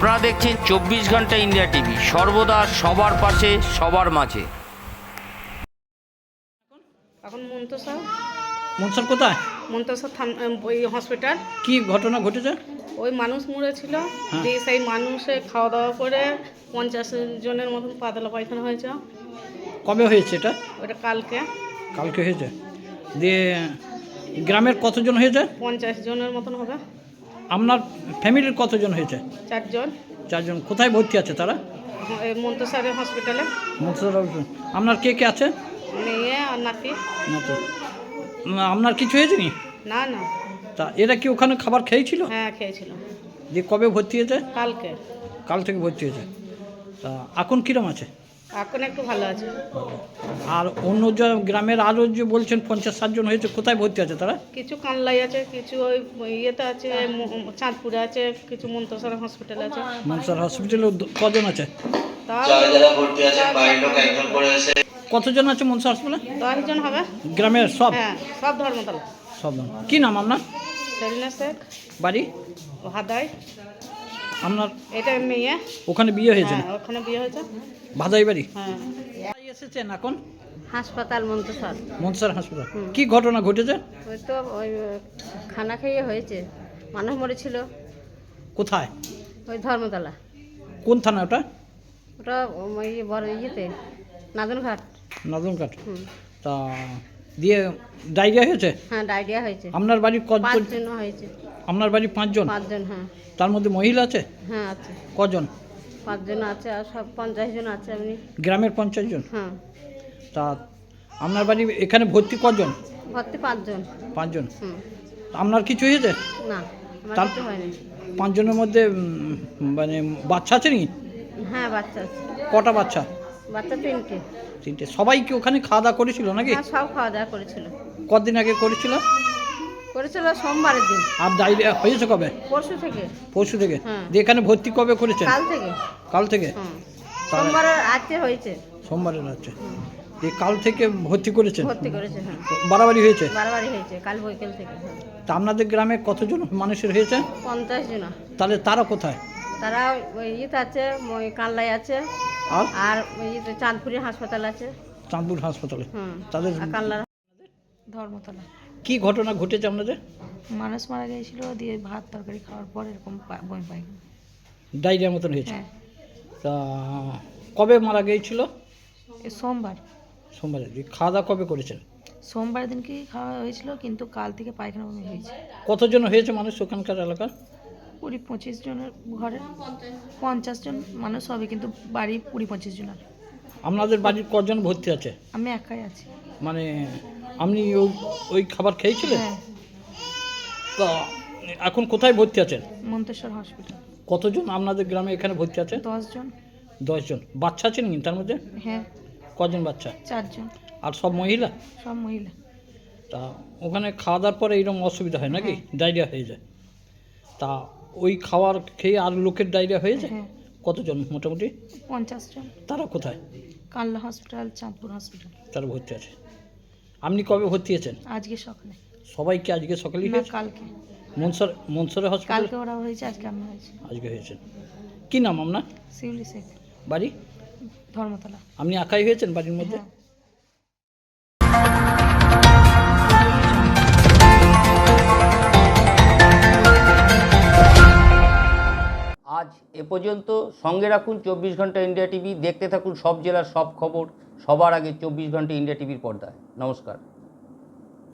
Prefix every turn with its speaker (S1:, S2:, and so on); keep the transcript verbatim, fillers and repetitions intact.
S1: আপনারা দেখছেন চব্বিশ ঘন্টা ইন্ডিয়া টিভি, সর্বদা সবার পাশে, সবার মাঝে।
S2: এখন মন্তসা
S3: মনসার কোথায়?
S2: মন্তসা ওই হসপিটাল।
S3: কি ঘটনা ঘটেছে?
S2: ওই মানুষ মরেছিল, দিয়ে সেই মানুষে খাওয়া দাওয়া করে পঞ্চাশ জনের মতন পাতলা পায়খানা হয়েছে।
S3: কবে হয়েছে এটা?
S2: ওটা কালকে
S3: কালকে হয়েছে। দিয়ে গ্রামের কতজন হয়েছে?
S2: পঞ্চাশ জনের মতন হবে।
S3: আপনার ফ্যামিলির কতজন হয়েছে?
S2: চারজন।
S3: চারজন। কোথায় ভর্তি আছে তারা?
S2: এই মন্তসারের হসপিটালে।
S3: মনসার। আপনার কে কে আছে?
S2: মেয়ে আর নাতি।
S3: নাতি। আপনার কিছু হয়েছে নি?
S2: না না।
S3: তা এরা কি ওখানে খাবার খেয়েছিল?
S2: হ্যাঁ খেয়েছিল।
S3: দিয়ে কবে ভর্তি হয়েছে?
S2: কালকে।
S3: কাল থেকে ভর্তি হয়েছে। তা এখন কীরকম আছে?
S2: এখন একটু ভালো আছে।
S3: আর অন্য যে গ্রামের আরও যে বলছেন পঞ্চাশ ষাটজন হয়েছে, কোথায় ভর্তি আছে তারা?
S2: কিছু কানলাই আছে, কিছু ওই ইয়েতে আছে, চাঁদপুরে আছে, কিছু মন্তসর হসপিটাল আছে।
S3: মনসার হসপিটালে কজন আছে?
S2: তাও
S3: কতজন আছে মনসা হসপিটালে?
S2: দশ জন হবে।
S3: গ্রামের সব?
S2: হ্যাঁ সব ধর্মতলা।
S3: সব। কি নাম আপনার?
S2: সেলিনা শেখ।
S3: বাড়ি?
S2: ভাদাই।
S3: আপনার
S2: এটা মেয়ে।
S3: ওখানে বিয়ে হয়েছে?
S2: হ্যাঁ ওখানে বিয়ে হয়েছে।
S3: ভাদাই বাড়ি?
S2: হ্যাঁ।
S3: এসেছেন এখন
S2: হাসপাতাল মন্তসর।
S3: মনসার হাসপাতাল। কি ঘটনা ঘটেছে?
S2: ওই তো ওই খানা খেয়ে হয়েছে, মানুষ মরেছিল।
S3: কোথায়?
S2: ওই ধর্মতলা।
S3: কোন থানা ওটা?
S2: ওটা ওই বড় ইয়েতে নাদনঘাট।
S3: নদনঘাট।
S2: হুম।
S3: তা দিয়ে ডায়রিয়া হয়েছে?
S2: হ্যাঁ ডায়রিয়া হয়েছে।
S3: আপনার বাড়ি কজন?
S2: পাঁচজন হয়েছে।
S3: আপনার বাড়ি পাঁচজন?
S2: পাঁচজন হ্যাঁ।
S3: তার মধ্যে মহিলা আছে?
S2: হ্যাঁ আছে।
S3: কজন?
S2: পাঁচজন আছে আর সব পঞ্চাশ জন আছে আপনি।
S3: গ্রামের পঞ্চাশ জন?
S2: হ্যাঁ।
S3: তা আপনার বাড়ি এখানে ভর্তি কজন?
S2: ভর্তি পাঁচজন।
S3: পাঁচজন।
S2: হুম।
S3: আপনার কিছু হয়েছে?
S2: না আমার
S3: তার-
S2: কিছু হয়নি।
S3: পাঁচজনের মধ্যে উম, মানে বাচ্চা আছে নি?
S2: হ্যাঁ বাচ্চা আছে।
S3: কটা বাচ্চা?
S2: বাচ্চা তিনটে।
S3: তিনটে। সবাই কি ওখানে খাওয়া দাওয়া করেছিল নাকি?
S2: হ্যাঁ সব খাওয়া দাওয়া করেছিল।
S3: কদিন আগে করেছিল?
S2: করেছিল সোমবারের দিন।
S3: আর ডায়রিয়া হয়েছে কবে?
S2: পরশু থেকে।
S3: পরশু থেকে?
S2: হ্যাঁ।
S3: দিয়ে এখানে ভর্তি কবে করেছেন?
S2: কাল থেকে।
S3: কাল থেকে?
S2: হুম।
S3: তাহলে-
S2: সোমবারের আজকে হয়েছে।
S3: সোমবারে রাত্রে। দিয়ে কাল থেকে ভর্তি করেছেন?
S2: ভর্তি করেছে হ্যাঁ।
S3: বাড়াবাড়ি হয়েছে?
S2: বারবারই হয়েছে কাল বৈকাল থেকে। হ্যাঁ।
S3: তা আপনাদের গ্রামে কতজন মানুষের হয়েছে?
S2: পঞ্চাশ জন।
S3: তাহলে তারা কোথায়?
S2: তারা ওই ইয়েতে আছে, ওই কানলাই আছে,
S3: আর
S2: আর ওই ইয়েতে চাঁদপুরের হাসপাতাল আছে।
S3: চাঁদপুর হাসপাতালে?
S2: হুম।
S3: তাদের
S2: আর কানলার ধর্মতলা।
S3: কি ঘটনা ঘটেছে আপনাদের?
S4: মানুষ মারা গিয়েছিল, দিয়ে ভাত তরকারি খাওয়ার পর এরকম পা- বমি পায়খানা।
S3: ডায়রিয়া মতন হয়েছে?
S4: হ্যাঁ
S3: তা কবে মারা গিয়েছিল?
S4: এ সোমবার।
S3: সোমবারে। দিয়ে খাওয়া দাওয়া কবে করেছেন?
S4: সোমবার দিনকেই খাওয়া হয়েছিল, কিন্তু কাল থেকে পায়খানা বমি হয়েছে।
S3: কতজন হয়েছে মানুষ ওখানকার এলাকার?
S4: কুড়ি পঁচিশ জনের ঘরে পঞ্চাশ জন মানুষ হবে, কিন্তু বাড়ি কুড়ি পঁচিশ জনের।
S3: আপনাদের বাড়ির কজন ভর্তি আছে?
S4: আমি একাই আছি।
S3: মানে আপনি ওই- ওই খাবার খেয়েছিলেন?
S4: হ্যাঁ
S3: তা এখন কোথায় ভর্তি আছেন?
S4: মন্তেশ্বর হসপিটাল।
S3: কতজন আপনাদের গ্রামে এখানে ভর্তি আছে?
S4: দশ জন।
S3: দশজন। বাচ্চা আছেন কি তার মধ্যে?
S4: হ্যাঁ
S3: কজন বাচ্চা?
S4: চারজন।
S3: আর সব মহিলা?
S4: সব মহিলা।
S3: তা ওখানে খাওয়া দাওয়ার পরে এইরকম অসুবিধা হয় নাকি? ডায়রিয়া হয়ে যায়? তা ওই খাবার খেয়ে আর লোকের ডায়রিয়া হয়ে যায়?
S4: হ্যাঁ
S3: কতজন মোটামুটি?
S4: পঞ্চাশ জন।
S3: তারা কোথায়?
S4: Kanla hospital, Chandpur hospital.
S3: তারা ভর্তি আছে। আপনি কবে ভর্তি হয়েছেন?
S4: আজকে সকালে।
S3: সবাইকে আজকে সকালেই
S4: না
S3: হয়েছে?
S4: কালকে।
S3: মনসর মনসরের হসপিটাল
S4: কালকে ওরা হয়েছে, আজকে আমরা হয়েছে।
S3: আজকে হয়েছেন। কি নাম আপনার?
S4: শিউলি শেখ।
S3: বাড়ি?
S4: ধর্মতলা।
S3: আপনি একাই হয়েছেন বাড়ির মধ্যে?
S4: হ্যাঁ।
S1: আজ এ পর্যন্ত। সঙ্গে রাখুন চব্বিশ ঘন্টা ইন্ডিয়া টিভি, দেখতে থাকুন সব জেলার সব খবর সবার আগে চব্বিশ ঘন্টা ইন্ডিয়া টিভির পর্দায়। নমস্কার।